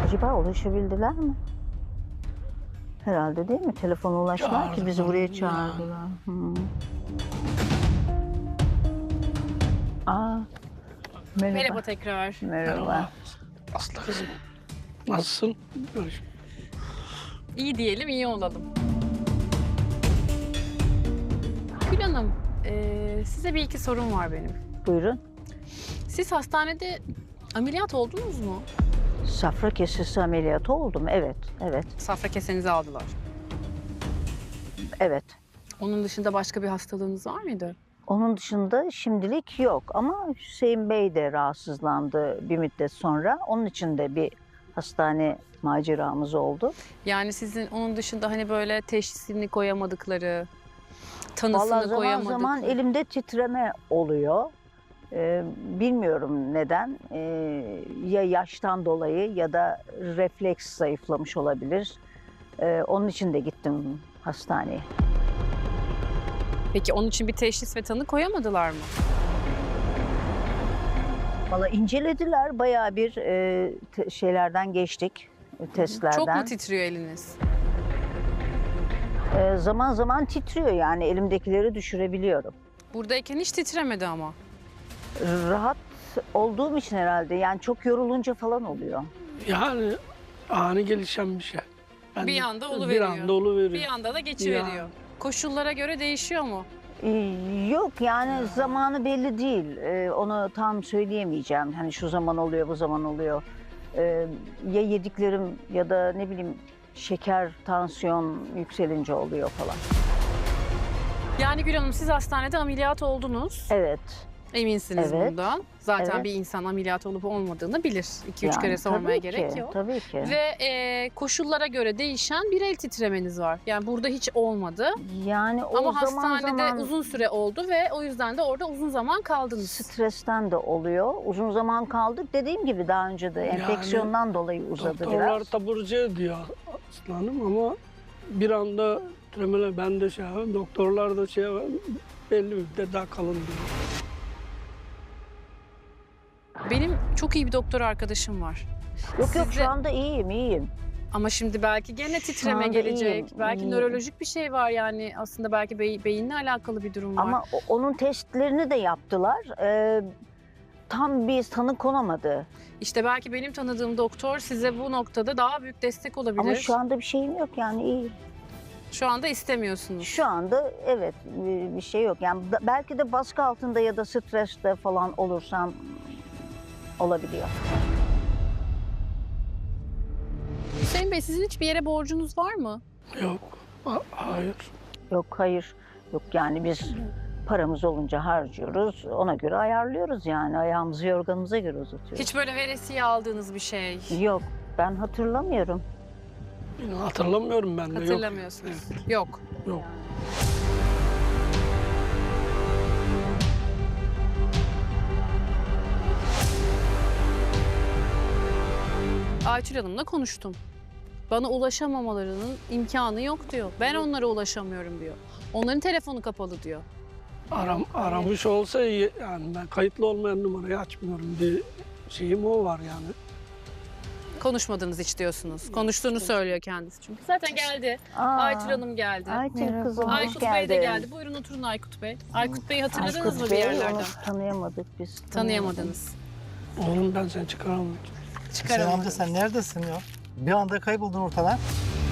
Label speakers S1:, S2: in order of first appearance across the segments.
S1: Acaba ulaşabildiler mi? Herhalde değil mi? Telefona ulaştılar ki bizi buraya çağırdılar. Aa, merhaba.
S2: Merhaba tekrar.
S1: Merhaba.
S3: Aslı kızım. Nasılsın?
S2: İyi diyelim, iyi olalım. Gül Hanım, size bir iki sorum var benim.
S1: Buyurun.
S2: Siz hastanede ameliyat oldunuz mu?
S1: Safra kesesi ameliyatı oldum. Evet, evet,
S2: Safra kesenizi aldılar.
S1: evet.
S2: Onun dışında başka bir hastalığınız var mıydı?
S1: Onun dışında şimdilik yok ama Hüseyin Bey de rahatsızlandı bir müddet sonra. Onun için de bir hastane maceramız oldu.
S2: Yani sizin onun dışında hani böyle teşhisini koyamadıkları, tanısını
S1: Vallahi zaman
S2: koyamadıkları...
S1: zaman elimde titreme oluyor. Bilmiyorum neden. Ya yaştan dolayı ya da refleks zayıflamış olabilir. Onun için de gittim hastaneye.
S2: Peki onun için bir teşhis ve tanı koyamadılar mı?
S1: Vallahi incelediler. Bayağı bir şeylerden geçtik, testlerden.
S2: Çok mu titriyor eliniz?
S1: Zaman zaman titriyor yani elimdekileri düşürebiliyorum.
S2: Buradayken hiç titremedi ama.
S1: Rahat olduğum için herhalde yani çok yorulunca falan oluyor.
S3: Yani ani gelişen bir şey.
S2: Bir anda
S3: Bir
S2: oluveriyor.
S3: anda oluveriyor.
S2: Bir anda da geçiveriyor.
S3: Ya.
S2: Koşullara göre değişiyor mu?
S1: Yok yani zamanı belli değil. Onu tam söyleyemeyeceğim. Hani şu zaman oluyor, bu zaman oluyor. Ya yediklerim ya da ne bileyim şeker, tansiyon yükselince oluyor falan.
S2: Yani Gül Hanım siz hastanede ameliyat oldunuz.
S1: Evet.
S2: Eminsiniz
S1: Evet.
S2: bundan. Zaten
S1: Evet.
S2: bir insan ameliyat olup olmadığını bilir. 2-3
S1: Yani
S2: kere sormaya
S1: tabii
S2: gerek
S1: ki,
S2: yok.
S1: Tabii ki.
S2: Ve koşullara göre değişen bir el titremeniz var. Yani burada hiç olmadı.
S1: Yani o
S2: Ama
S1: zaman
S2: hastanede uzun süre oldu ve o yüzden de orada uzun zaman kaldınız.
S1: stresten de oluyor. Uzun zaman kaldık. Dediğim gibi daha önce de
S3: Yani
S1: enfeksiyondan dolayı uzadı
S3: Doktorlar
S1: biraz.
S3: taburcu ediyor aslanım ama bir anda tremeler ben de şey yapayım, doktorlar da şey yapayım, belli bir müddet daha kalın diyor.
S2: Benim çok iyi bir doktor arkadaşım var.
S1: Yok yok
S2: Sizde-
S1: şu anda iyiyim.
S2: Ama şimdi belki gene titreme
S1: anda
S2: gelecek.
S1: iyiyim,
S2: Belki
S1: iyiyim.
S2: nörolojik bir şey var yani. Aslında belki beyinle alakalı bir durum var.
S1: Ama onun testlerini de yaptılar. Tam bir tanı konamadı.
S2: İşte belki benim tanıdığım doktor size bu noktada daha büyük destek olabilir.
S1: Ama şu anda bir şeyim yok yani iyi.
S2: Şu anda istemiyorsunuz.
S1: Şu anda evet bir şey yok. Yani belki de baskı altında ya da streste falan olursam olabiliyor.
S2: Hüseyin Bey sizin hiçbir yere borcunuz var mı?
S3: Yok, hayır.
S1: Yok hayır. Yok yani biz paramız olunca harcıyoruz. Ona göre ayarlıyoruz yani. Ayağımızı yorganımıza göre uzatıyoruz.
S2: Hiç böyle veresiye aldığınız bir şey
S1: Yok ben hatırlamıyorum.
S3: Hatırlamıyorum ben de.
S2: hatırlamıyorsunuz. Yok.
S3: Yok.
S2: Aytül Hanım'la konuştum. Bana ulaşamamalarının imkanı yok diyor. Ben onlara ulaşamıyorum diyor. Onların telefonu kapalı diyor.
S3: Aramış olsa iyi. Yani ben kayıtlı olmayan numarayı açmıyorum diye şeyim o var yani.
S2: Konuşmadınız hiç diyorsunuz. Konuştuğunu söylüyor kendisi çünkü. Zaten geldi.
S1: Aa,
S2: Aytül Hanım geldi.
S1: Aytül kızım hoş
S2: Aykut
S1: geldin.
S2: Bey de geldi. Buyurun oturun Aykut Bey. Aykut Bey'i hatırladınız
S1: Aykut
S2: mı bir
S1: Bey,
S2: yerlerden?
S1: onu tanıyamadık biz.
S2: Tanıyamadınız.
S3: Oğlum ben seni çıkaramadım.
S4: Hüseyin amca
S2: Çıkaramadınız.
S4: sen neredesin ya? Bir anda kayboldun ortadan.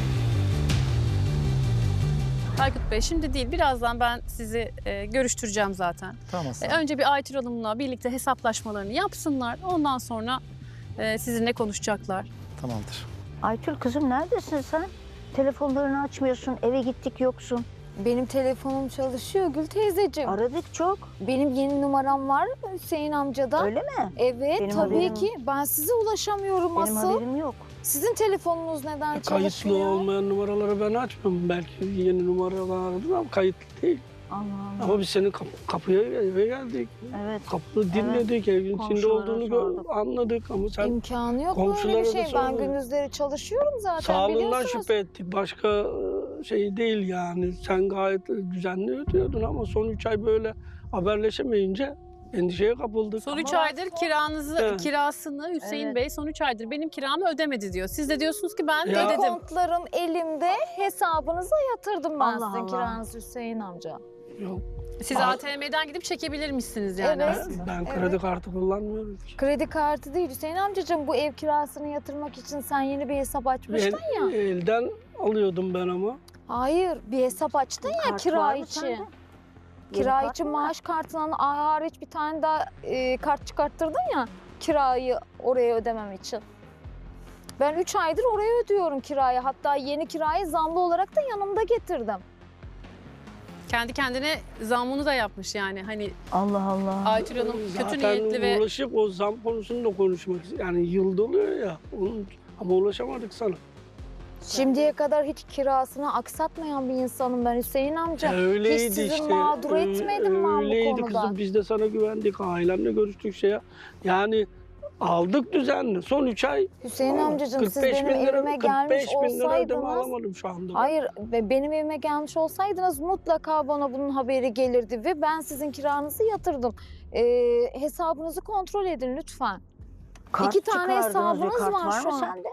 S2: Aykut Bey şimdi değil birazdan ben sizi görüştüreceğim zaten.
S4: Tamam Aslan.
S2: Önce bir Aytül Hanım'la birlikte hesaplaşmalarını yapsınlar. Ondan sonra sizinle konuşacaklar.
S4: Tamamdır.
S1: Aytül kızım neredesin sen? Telefonlarını açmıyorsun, eve gittik yoksun.
S5: Benim telefonum çalışıyor Gül teyzeciğim.
S1: Aradık çok.
S5: Benim yeni numaram var Hüseyin amcadan.
S1: Öyle mi?
S5: Evet
S1: Benim
S5: tabii
S1: haberim-
S5: ki. Ben size ulaşamıyorum
S1: Benim
S5: asıl.
S1: haberim yok.
S5: Sizin telefonunuz neden
S3: Kayıtlı
S5: çalışmıyor?
S3: olmayan numaraları ben açmıyorum. Belki yeni numaralar aradım ama kayıtlı değil.
S1: Allah Allah.
S3: Ama biz senin kapıya eve geldik.
S1: Evet.
S3: Kapını dinledik, evin içinde
S1: Komşulara
S3: olduğunu
S1: sorduk.
S3: anladık ama sen
S5: İmkanı yok böyle
S3: komşulara
S5: bir
S3: da
S5: şey. Ben
S3: sordum.
S5: gündüzleri çalışıyorum zaten
S3: sağlığından
S5: biliyorsunuz.
S3: şüphe ettik. Başka şey değil yani. Sen gayet düzenli ödüyordun ama son 3 ay böyle haberleşemeyince Endişeye kapıldık.
S2: Son 3
S1: Ama
S2: aydır kirasını Hüseyin
S1: Evet.
S2: Bey son 3 aydır benim kiramı ödemedi diyor. Siz de diyorsunuz ki ben
S3: Ya.
S2: ödedim.
S5: Kontlarım elimde, hesabınıza yatırdım ben
S1: Allah
S5: sizin
S1: Allah.
S5: kiranızı Hüseyin amca.
S3: Yok.
S2: Siz ATM'den gidip çekebilirmişsiniz yani
S5: Evet.
S2: aslında.
S3: Ben
S5: Evet.
S3: kredi kartı kullanmıyorum ki.
S5: Kredi kartı değil Hüseyin amcacığım, bu ev kirasını yatırmak için sen yeni bir hesap açmıştın ya.
S3: Elden alıyordum ben ama.
S5: Hayır, bir hesap açtın ya
S1: Kart
S5: kira
S1: var mı
S5: için.
S1: sende? Yeni
S5: Kira
S1: kart
S5: için
S1: mı var?
S5: maaş kartından hariç bir tane daha kart çıkarttırdın ya kirayı oraya ödemem için. Ben 3 aydır oraya ödüyorum kirayı. Hatta yeni kirayı zamlı olarak da yanımda getirdim.
S2: Kendi kendine zammını da yapmış yani. Hani
S1: Allah Allah.
S2: Aytül Hanım kötü
S3: Zaten
S2: niyetli ve
S3: ulaşıp o zam konusunu da konuşmak yani yılda oluyor ya. Ama ulaşamadık sana.
S5: Şimdiye kadar hiç kirasını aksatmayan bir insanım ben Hüseyin amca.
S3: Öyleydi
S5: hiç sizi
S3: işte.
S5: mağdur etmedim ben bu
S3: Öyleydi
S5: konuda.
S3: kızım. Biz de sana güvendik. Ailemle görüştük şeye. Yani aldık düzenli. Son 3 ay
S5: Hüseyin amcacığım siz
S3: 45
S5: benim
S3: bin lira,
S5: evime gelmiş
S3: 45 bin lira ödeme
S5: olsaydınız...
S3: alamadım şu anda.
S5: Hayır, benim evime gelmiş olsaydınız mutlaka bana bunun haberi gelirdi ve ben sizin kiranızı yatırdım. Hesabınızı kontrol edin lütfen.
S1: Kart
S5: 2 tane
S1: çıkardınız,
S5: hesabınız
S1: kart
S5: var şu
S1: mı
S5: an.
S1: sende?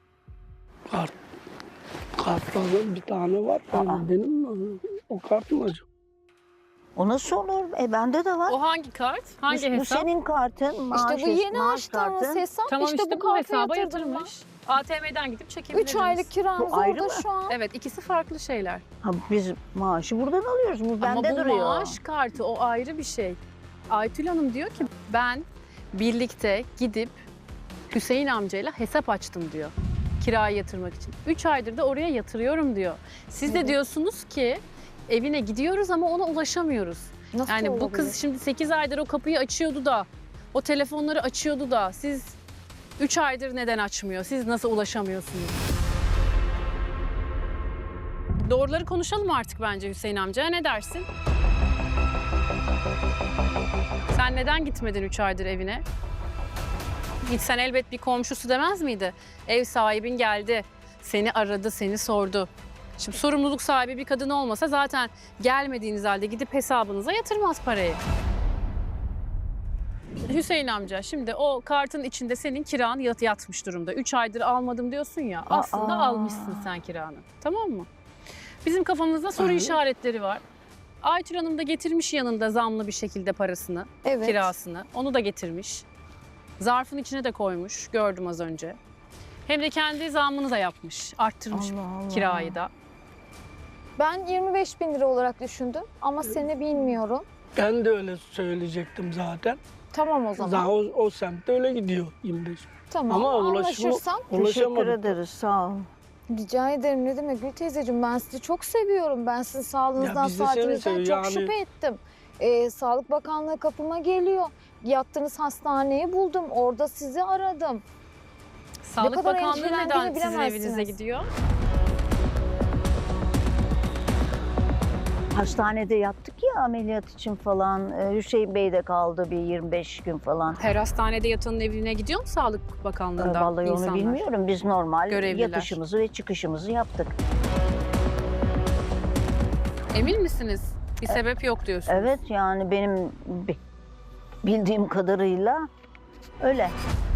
S3: Kartlarda bir tane var.
S1: Aa.
S3: Benim mi? O kart mı acaba?
S1: O nasıl olur? Bende de var.
S2: o hangi kart? Hangi
S1: Bu
S2: hesap?
S1: senin kartın, maaş,
S5: İşte bu yeni
S1: maaş
S5: açtığınız
S1: kartın.
S5: hesap
S2: Tamam
S5: işte, bu
S2: bu
S5: kartı
S2: hesaba
S5: yatırdım ben.
S2: yatırmış. ATM'den gidip çekebilirsiniz.
S5: 3 aylık kiranız
S1: Bu ayrı
S5: orada
S1: mı?
S5: şu an.
S2: Evet, ikisi farklı şeyler.
S1: Ha, biz maaşı buradan alıyoruz. Bu bende
S2: Ama bu
S1: duruyor.
S2: maaş kartı o ayrı bir şey. Aytül Hanım diyor ki ben birlikte gidip Hüseyin amcayla hesap açtım diyor. Kirayı yatırmak için. 3 aydır da oraya yatırıyorum diyor. Siz de
S5: Evet.
S2: diyorsunuz ki evine gidiyoruz ama ona ulaşamıyoruz.
S5: Nasıl
S2: Yani bu
S5: olabilir?
S2: kız şimdi 8 aydır o kapıyı açıyordu da, o telefonları açıyordu da siz 3 aydır neden açmıyor? Siz nasıl ulaşamıyorsunuz? Doğruları konuşalım artık bence Hüseyin amca. Ne dersin? Sen neden gitmedin 3 aydır evine? Gitsen elbet bir komşusu demez miydi? Ev sahibin geldi, seni aradı, seni sordu. Şimdi sorumluluk sahibi bir kadın olmasa zaten gelmediğiniz halde gidip hesabınıza yatırmaz parayı. Hüseyin amca şimdi o kartın içinde senin kiran yatmış durumda. 3 aydır almadım diyorsun ya aslında
S1: Aa.
S2: almışsın sen kiranı. Tamam mı? Bizim kafamızda soru
S3: Hı.
S2: işaretleri var. Aytül Hanım da getirmiş yanında zamlı bir şekilde parasını,
S5: Evet.
S2: kirasını. Onu da getirmiş. Zarfın içine de koymuş gördüm az önce. Hem de kendi zammını da yapmış. Arttırmış
S1: Allah Allah.
S2: kirayı da.
S5: Ben 25 bin lira olarak düşündüm ama seni bilmiyorum.
S3: Ben de öyle söyleyecektim zaten.
S5: Tamam o zaman.
S3: Zaten o semtte öyle gidiyor 25.
S5: Tamam
S3: Ama
S5: anlaşırsak.
S1: Teşekkür
S3: ulaşamadık.
S1: ederiz, sağ ol.
S5: Rica ederim ne demek Gül teyzeciğim, ben sizi çok seviyorum. Ben sizin sağlığınızdan,
S3: Ya biz de seni
S5: saatinizden çok
S3: seviyoruz. Yani-
S5: şüphe ettim. Sağlık Bakanlığı kapıma geliyor. Yattığınız hastaneyi buldum. Orada sizi aradım.
S2: Sağlık
S5: kadar
S2: Bakanlığı
S5: endişelendiğimi
S2: neden sizin
S5: bilemezsiniz.
S2: evinize gidiyor?
S1: Hastanede yattık ya ameliyat için falan. Hüseyin Bey de kaldı bir 25 gün falan.
S2: Her hastanede yatanın evine gidiyor mu Sağlık Bakanlığı'ndan
S1: Vallahi
S2: insanlar?
S1: onu bilmiyorum. Biz normal
S2: Görevliler.
S1: yatışımızı ve çıkışımızı yaptık.
S2: Emin misiniz? Bir sebep yok diyorsunuz.
S1: Evet yani benim bildiğim kadarıyla öyle.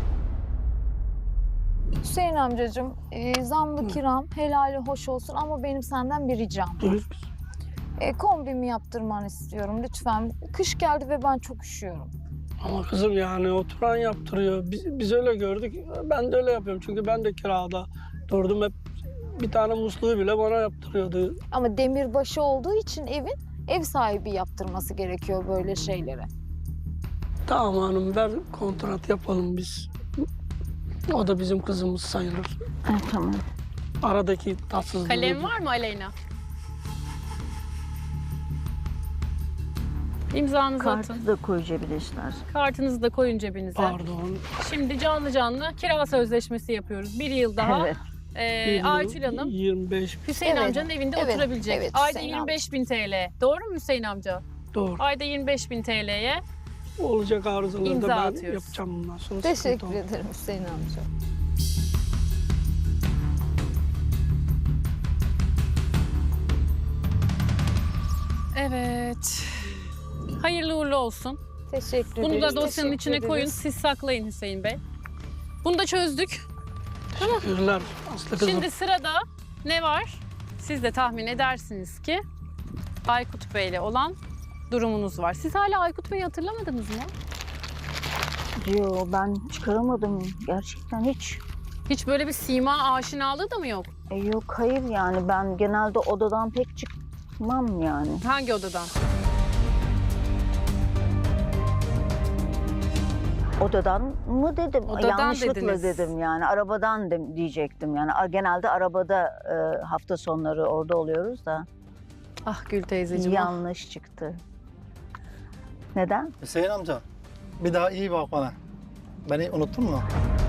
S5: Hüseyin amcacığım, zamlı kiram helali hoş olsun ama benim senden bir ricam.
S3: Buyur.
S5: Kombimi yaptırmanı istiyorum lütfen. Kış geldi ve ben çok üşüyorum.
S3: Ama kızım yani oturan yaptırıyor. Biz öyle gördük. Ben de öyle yapıyorum. Çünkü ben de kirada durdum hep bir tane musluğu bile bana yaptırıyordu.
S5: Ama demirbaşı olduğu için evin ev sahibi yaptırması gerekiyor böyle şeylere.
S3: Tamam hanım ver kontrat yapalım biz. O da bizim kızımız sayılır.
S1: Tamam.
S3: Aradaki tatsızlığı.
S2: Kalem var mı Aleyna? İmzanızı atın.
S1: Kartı da koy cebine istersen.
S2: Kartınızı da koyun cebinize.
S3: Pardon.
S2: Şimdi canlı canlı kira sözleşmesi yapıyoruz. Bir yıl daha
S1: Evet.
S2: Aytül Hanım
S3: 25
S2: Hüseyin
S5: Evet.
S2: amcanın evinde
S5: Evet,
S2: oturabilecek.
S5: evet,
S2: Ayda
S5: Hüseyin
S2: 25.000 TL. Doğru mu Hüseyin amca?
S3: doğru.
S2: Ayda 25.000 TL'ye
S3: Olacak arızaları
S2: İmza
S3: da ben
S2: atıyoruz.
S3: yapacağım bundan sonra.
S5: Teşekkür
S3: sıkıntı olmaz.
S5: ederim Hüseyin amca.
S2: evet. Hayırlı uğurlu olsun.
S5: Teşekkür
S2: Bunu
S5: ederiz.
S2: da dosyanın
S5: teşekkür
S2: içine koyun.
S5: ederiz.
S2: Siz saklayın Hüseyin Bey. Bunu da çözdük.
S3: Teşekkürler Aslı kızım.
S2: Şimdi sırada ne var? Siz de tahmin edersiniz ki Aykut Bey'le olan durumunuz var. Siz hala Aykut Bey'i hatırlamadınız mı?
S1: Yo, ben çıkaramadım gerçekten hiç.
S2: Hiç böyle bir sima aşinalığı da mı yok?
S1: Yok hayır yani ben genelde odadan pek çıkmam yani.
S2: Hangi odadan?
S1: Odadan mı dedim?
S2: Odadan
S1: Yanlışlıkla
S2: dediniz.
S1: dedim yani. Arabadan diyecektim yani. Genelde arabada hafta sonları orada oluyoruz da.
S2: Ah Gül teyzeciğim. ah.
S1: Yanlış çıktı. Neden?
S4: Hüseyin amca bir daha iyi bak bana. Beni unuttun mu?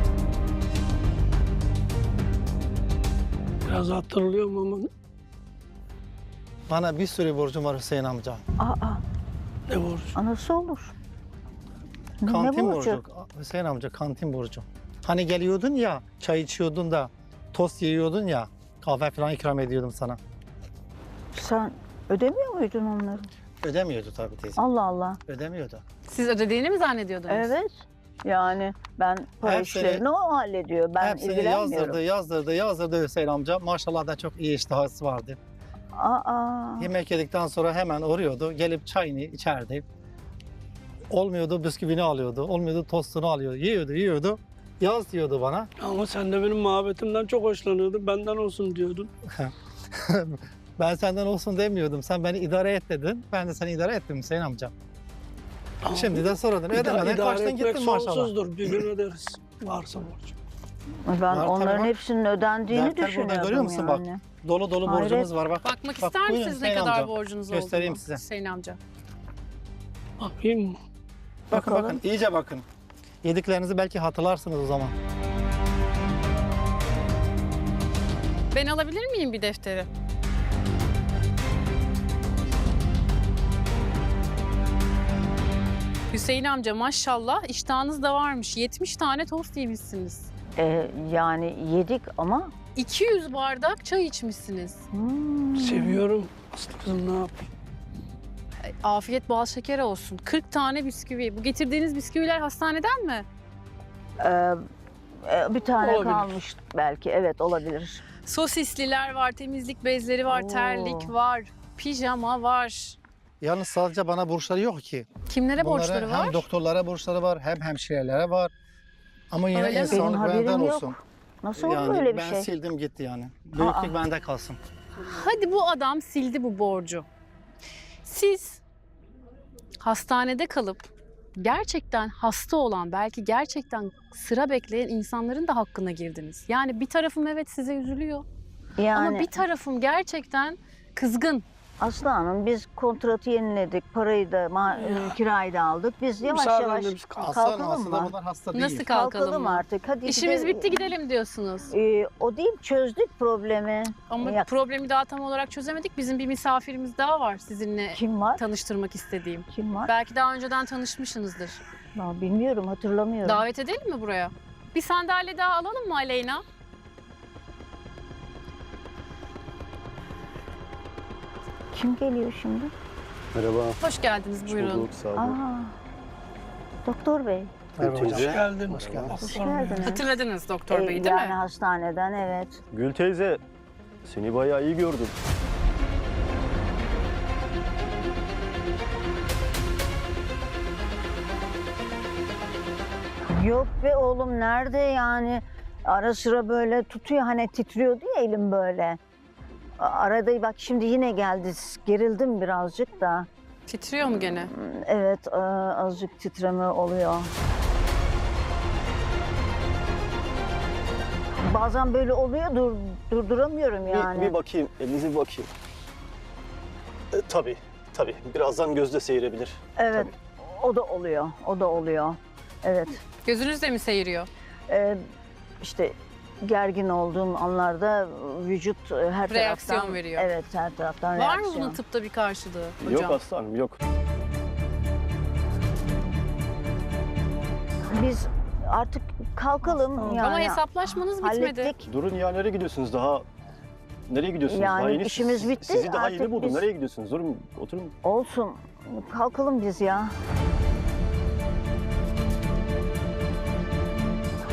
S3: Biraz hatırlıyorum ama
S4: Bana bir sürü borcum var Hüseyin amca.
S1: Aa,
S3: ne borç?
S1: nasıl olur? Ne
S4: Kantin
S1: borcu?
S4: borcu. Hüseyin amca kantin borcu. Hani geliyordun ya çay içiyordun da tost yiyordun ya kahve falan ikram ediyordum sana.
S1: Sen ödemiyor muydun onları?
S4: Ödemiyordu tabii teyze.
S1: Allah Allah.
S4: Ödemiyordu.
S2: Siz ödediğini mi zannediyordunuz?
S1: Evet. Yani ben para
S4: Hepsini-
S1: işlerini o hallediyor. Ben
S4: Hepsini
S1: ilgilenmiyorum.
S4: yazdırdı Hüseyin amca. Maşallah da çok iyi iştahı vardı.
S1: Aa.
S4: Yemek yedikten sonra hemen uğruyordu. Gelip çayını içerdi. Olmuyordu bisküvini alıyordu. Olmuyordu tostunu alıyordu. Yiyordu. Yaz diyordu bana.
S3: Ama sen de benim muhabbetimden çok hoşlanıyordun. Benden olsun diyordun.
S4: Ben senden olsun demiyordum. Sen beni idare et dedin. Ben de seni idare ettim Hüseyin amca.
S3: Ama
S4: Şimdi de soradın. Ödemeden
S3: idare
S4: kaçtın
S3: etmek
S4: gittin maşallah.
S3: sonsuzdur. Bir gün öderiz. Varsa borç.
S1: Ben
S4: Var tabii
S1: onların
S4: bak.
S1: hepsinin ödendiğini
S4: Defter burada,
S1: düşünüyordum
S4: görüyor musun bak?
S1: yani.
S4: Dolu dolu
S1: Hayret.
S4: borcumuz var bak.
S2: Bakmak
S4: Bak,
S2: ister
S4: buyurun
S2: misiniz ne
S4: Hüseyin
S2: kadar
S4: amca.
S2: borcunuz
S4: Göstereyim
S2: olduğunu?
S4: size.
S2: Hüseyin amca.
S3: Bakayım mı?
S4: Bakın
S1: Bakalım.
S4: bakın iyice bakın. Yediklerinizi belki hatırlarsınız o zaman.
S2: Ben alabilir miyim bir defteri? Hüseyin amca maşallah iştahınız da varmış. 70 tane tost yemişsiniz.
S1: Yani yedik ama
S2: 200 bardak çay içmişsiniz.
S3: Seviyorum. Aslı kızım ne yapayım?
S2: Afiyet bal şeker olsun. 40 tane bisküvi. Bu getirdiğiniz bisküviler hastaneden mi?
S1: Bir tane
S3: Olabilir.
S1: kalmış belki. Evet olabilir.
S2: Sosisliler var, temizlik bezleri var,
S1: Oo.
S2: terlik var, pijama var.
S4: Yalnız sadece bana borçları yok ki.
S2: Kimlere
S4: Bunların
S2: borçları var?
S4: hem doktorlara borçları var hem hemşirelere var. Ama yine
S2: Öyle mi?
S1: Benim
S4: insanlık
S1: haberim
S4: benden
S1: yok.
S4: olsun.
S1: Nasıl olur
S4: Yani
S1: böyle bir
S4: ben
S1: şey?
S4: sildim gitti yani. Büyüklük bende kalsın.
S2: Hadi bu adam sildi bu borcu. Siz hastanede kalıp gerçekten hasta olan, belki gerçekten sıra bekleyen insanların da hakkına girdiniz. Yani bir tarafım evet size üzülüyor
S1: Yani
S2: ama bir tarafım gerçekten kızgın.
S1: Aslı Hanım biz kontratı yeniledik. Parayı da kirayı da aldık. Biz yavaş
S3: Müsaadenle
S1: yavaş
S3: biz kalkalım.
S4: Aslında
S1: kalkalım mı?
S4: bunlar hasta değil.
S2: Nasıl kalkalım
S1: Kalkalım
S2: mı?
S1: artık. Hadi
S2: İşimiz
S1: gidelim.
S2: bitti gidelim diyorsunuz.
S1: O değil çözdük problemi.
S2: Ama
S1: Ya-
S2: problemi daha tam olarak çözemedik. Bizim bir misafirimiz daha var sizinle
S1: Kim var?
S2: tanıştırmak istediğim.
S1: Kim var?
S2: Belki daha önceden tanışmışsınızdır.
S1: Ya, bilmiyorum hatırlamıyorum.
S2: Davet edelim mi buraya? Bir sandalye daha alalım mı Aleyna?
S1: Kim geliyor şimdi?
S6: Merhaba.
S2: Hoş geldiniz
S6: Hoş
S2: buyurun.
S6: bulduk, sağ olun.
S1: Aa, Doktor Bey.
S4: Merhaba hocam.
S3: Hoş geldin.
S4: Hoş geldin.
S1: Hoş
S3: Aslan Bey.
S1: geldiniz.
S2: Hatırladınız Doktor Bey değil
S1: Yani
S2: mi?
S1: hastaneden evet.
S6: Gül teyze, seni bayağı iyi gördüm.
S1: Yok be oğlum nerede yani? Ara sıra böyle tutuyor hani titriyordu ya elim böyle. Arada bak şimdi yine geldi. Gerildim birazcık da.
S2: Titriyor mu gene?
S1: Evet azıcık titreme oluyor. Bazen böyle oluyor durduramıyorum yani.
S6: Bir bakayım, elinize bir bakayım. Tabii. Birazdan gözde seyirebilir.
S1: Evet o da oluyor. Evet.
S2: Gözünüz de mi seyiriyor?
S1: İşte gergin olduğum anlarda vücut her
S2: Reaksiyon
S1: taraftan
S2: veriyor.
S1: Evet her taraftan
S2: Var mı
S1: reaksiyon.
S2: bunun tıpta bir karşılığı hocam?
S6: Yok aslanım, yok.
S1: Biz artık kalkalım yani.
S2: Ama hesaplaşmanız bitmedi.
S1: hallettik.
S6: Durun ya, nereye gidiyorsunuz daha? Nereye gidiyorsunuz?
S1: Yani
S6: daha yeni
S1: işimiz bitti,
S6: Sizi daha
S1: artık
S6: yeni buldum.
S1: biz-
S6: Nereye gidiyorsunuz? Durun, oturun.
S1: Olsun. Kalkalım biz ya.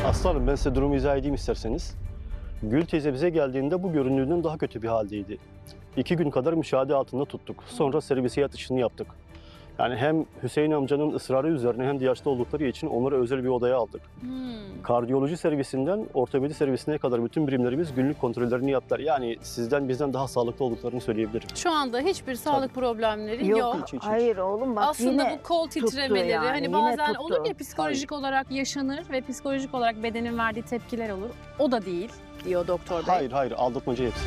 S6: Aslanım ben size durumu izah edeyim isterseniz. Gül teyze bize geldiğinde bu göründüğünden daha kötü bir haldeydi. 2 gün kadar müşahede altında tuttuk. Sonra servise yatışını yaptık. Yani hem Hüseyin amcanın ısrarı üzerine hem de yaşlı oldukları için onları özel bir odaya aldık. Kardiyoloji servisinden ortopedi servisine kadar bütün birimlerimiz günlük kontrollerini yaptılar. Yani sizden bizden daha sağlıklı olduklarını söyleyebilirim.
S2: Şu anda hiçbir sağlık problemleri yok.
S6: Hiç.
S1: Hayır oğlum bak
S2: Aslında
S1: yine
S2: bu kol
S1: tuttu
S2: titremeleri
S1: yani,
S2: hani
S1: yine
S2: bazen
S1: tuttu.
S2: olur ya psikolojik olarak yaşanır ve psikolojik olarak bedenin verdiği tepkiler olur. O da değil diyor doktor bey.
S6: Hayır aldatmaca hepsi.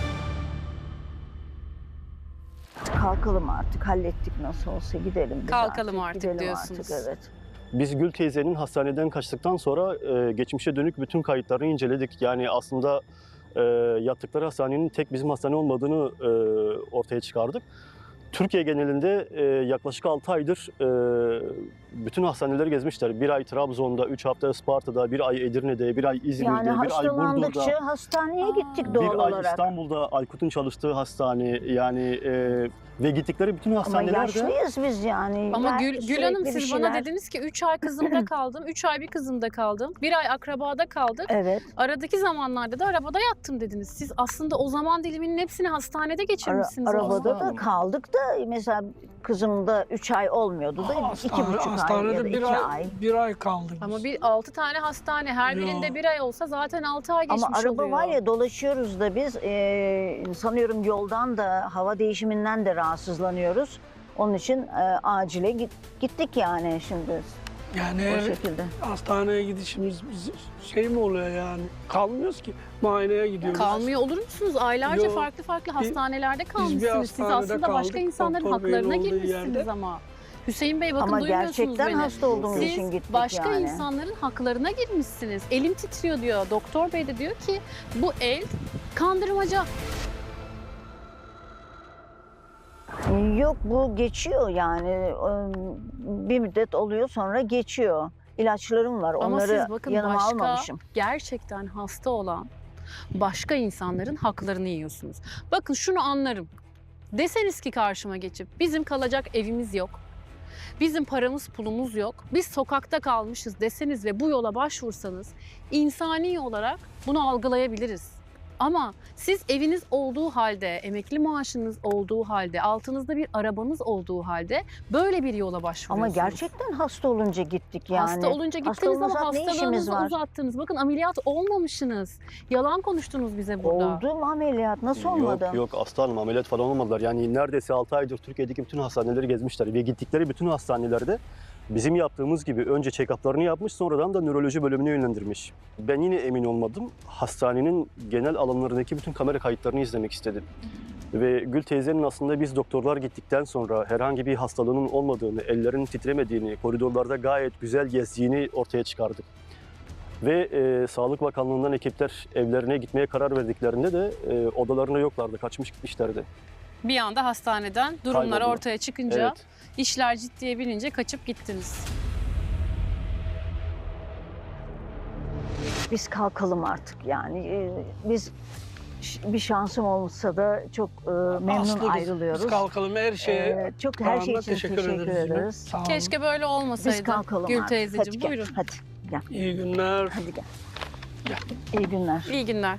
S1: kalkalım artık, hallettik nasıl olsa, gidelim biz
S2: Kalkalım artık
S1: gidelim
S2: diyorsunuz.
S1: Artık, evet.
S6: Biz Gül teyzenin hastaneden kaçtıktan sonra geçmişe dönük bütün kayıtlarını inceledik. Yani aslında yattıkları hastanenin tek bizim hastane olmadığını ortaya çıkardık. Türkiye genelinde yaklaşık 6 aydır bütün hastaneleri gezmişler. 1 ay Trabzon'da, 3 hafta Isparta'da, 1 ay Edirne'de, 1 ay İzmir'de,
S1: Yani
S6: 1 ay Burdur'da.
S1: hastalandıkça hastaneye gittik doğal
S6: Bir ay
S1: olarak.
S6: İstanbul'da Aykut'un çalıştığı hastane yani ve gittikleri bütün
S1: Ama
S6: hastanelerde
S1: yaşlıyız biz yani.
S2: Ama
S1: Ya
S2: Gül
S1: sürekli
S2: Hanım
S1: bir
S2: siz bana
S1: şeyler-
S2: dediniz ki 3 ay kızımda kaldım, 3 ay bir kızımda kaldım, 1 ay akrabada kaldık.
S1: Evet.
S2: Aradaki zamanlarda da arabada yattım dediniz. Siz aslında o zaman diliminin hepsini hastanede geçirmişsiniz.
S1: Arabada da
S6: Hanım.
S1: kaldık da mesela kızımda 3 ay olmuyordu da 2,5 ay ya
S3: Hastanede
S1: da 2 ay.
S3: bir ay kaldık
S2: Ama
S3: biz.
S2: bir 6 tane hastane her
S3: Ya.
S2: birinde 1 ay olsa zaten 6 ay geçmiş
S1: Ama araba
S2: oluyor.
S1: var ya, dolaşıyoruz da biz sanıyorum yoldan da hava değişiminden de rahatsızlanıyoruz. Onun için acile gittik yani şimdi
S3: Yani
S1: o
S3: her
S1: şekilde.
S3: hastaneye gidişimiz şey mi oluyor yani? Kalmıyoruz ki. Muayeneye gidiyoruz.
S2: Kalmıyor olur musunuz? Aylarca
S3: Yok.
S2: farklı hastanelerde kalmışsınız. Siz
S3: hastanede
S2: aslında başka
S3: kaldık,
S2: insanların
S3: doktor beyin
S2: haklarına
S3: olduğu
S2: girmişsiniz
S3: yerde.
S2: ama. Hüseyin Bey bakın
S1: Ama
S2: duymuyorsunuz
S1: gerçekten
S2: beni.
S1: hasta olduğumuz için
S2: Siz
S1: gittik
S2: başka
S1: yani.
S2: insanların haklarına girmişsiniz. Elim titriyor diyor. Doktor Bey de diyor ki bu el kandırmaca.
S1: Yok, bu geçiyor yani. Bir müddet oluyor sonra geçiyor. İlaçlarım var,
S2: Ama
S1: onları
S2: siz bakın
S1: yanıma
S2: başka
S1: almamışım.
S2: gerçekten hasta olan başka insanların haklarını yiyorsunuz. Bakın şunu anlarım. Deseniz ki karşıma geçip bizim kalacak evimiz yok. Bizim paramız pulumuz yok. Biz sokakta kalmışız deseniz ve bu yola başvursanız insani olarak bunu algılayabiliriz. Ama siz eviniz olduğu halde, emekli maaşınız olduğu halde, altınızda bir arabanız olduğu halde böyle bir yola
S1: Ama
S2: başvuruyorsunuz.
S1: gerçekten hasta olunca gittik yani.
S2: Hasta olunca
S1: Hasta
S2: gittiniz ama
S1: olursak ne işimiz
S2: hastalığınızı
S1: var?
S2: uzattınız. Bakın ameliyat olmamışsınız. Yalan konuştunuz bize burada.
S1: Oldum ameliyat, nasıl olmadı?
S6: Yok aslanım ameliyat falan olmadılar. Yani neredeyse 6 aydır Türkiye'deki bütün hastaneleri gezmişler. Ve gittikleri bütün hastanelerde bizim yaptığımız gibi önce check-up'larını yapmış, sonradan da nöroloji bölümüne yönlendirmiş. Ben yine emin olmadım. Hastanenin genel alanlarındaki bütün kamera kayıtlarını izlemek istedim. Ve Gül teyzenin aslında biz doktorlar gittikten sonra herhangi bir hastalığının olmadığını, ellerinin titremediğini, koridorlarda gayet güzel gezdiğini ortaya çıkardık. Ve Sağlık Bakanlığı'ndan ekipler evlerine gitmeye karar verdiklerinde de odalarına yoklardı, kaçmış gitmişlerdi.
S2: Bir anda hastaneden durumlar
S6: Kayboldular.
S2: ortaya çıkınca,
S6: Evet.
S2: işler ciddiye binince kaçıp gittiniz.
S1: Biz kalkalım artık yani. Biz bir şansım olsa da çok memnun
S3: Aslı biz
S1: ayrılıyoruz.
S3: kalkalım her şeye.
S1: Çok her şey için
S3: teşekkür
S1: teşekkür
S3: ederiz. yine.
S1: ederiz.
S3: Sağ olun.
S2: Keşke böyle olmasaydı.
S1: Biz kalkalım
S2: Gül
S1: artık.
S2: teyzeciğim
S1: Hadi gel,
S2: buyurun.
S1: hadi gel,
S3: İyi günler.
S1: hadi gel.
S3: Gel.
S1: İyi günler.
S2: İyi günler.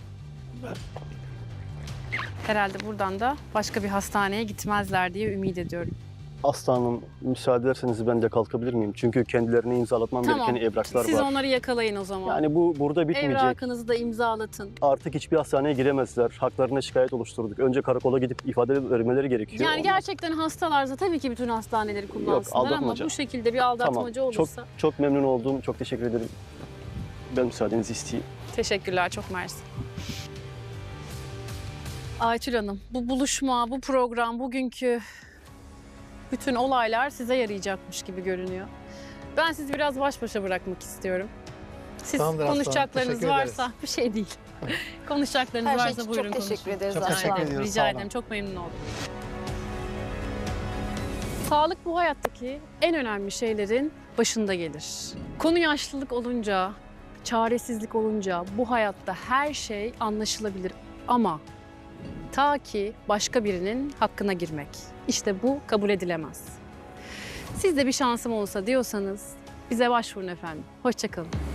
S2: Herhalde buradan da başka bir hastaneye gitmezler diye ümit ediyorum.
S6: Aslanım müsaade ederseniz ben de kalkabilir miyim? Çünkü kendilerine imzalatmam
S2: Tamam.
S6: gereken evraklar
S2: Siz
S6: var.
S2: onları yakalayın o zaman.
S6: Yani bu burada bitmeyecek.
S2: Evrakınızı da imzalatın.
S6: Artık hiçbir hastaneye giremezler. Haklarına şikayet oluşturduk. Önce karakola gidip ifade vermeleri gerekiyor.
S2: Yani
S6: Ondan-
S2: gerçekten hastalarsa tabii ki bütün hastaneleri kullansınlar ama
S6: aldatmaca.
S2: bu şekilde bir aldatmaca
S6: Tamam.
S2: olursa.
S6: Çok memnun oldum. Çok teşekkür ederim. Ben müsaadenizi isteyeyim.
S2: Teşekkürler, çok mersi. Aytül Hanım, bu buluşma, bu program, bugünkü bütün olaylar size yarayacakmış gibi görünüyor. Ben sizi biraz baş başa bırakmak istiyorum. Siz
S4: Tamamdır aslanım,
S2: konuşacaklarınız
S4: teşekkür
S2: varsa, bir şey değil. Konuşacaklarınız
S5: Her şey
S2: varsa
S5: için
S2: buyurun
S5: çok teşekkür
S2: konuşun.
S5: ederiz
S4: Çok
S5: Aslı
S4: teşekkür
S5: Hanım.
S4: ediyoruz.
S2: Rica
S4: sağ
S2: ederim,
S4: olun.
S2: çok memnun oldum. Sağlık bu hayattaki en önemli şeylerin başında gelir. Konu yaşlılık olunca, çaresizlik olunca bu hayatta her şey anlaşılabilir ama ta ki başka birinin hakkına girmek. İşte bu kabul edilemez. Siz de bir şansım olsa diyorsanız bize başvurun efendim. Hoşça kalın.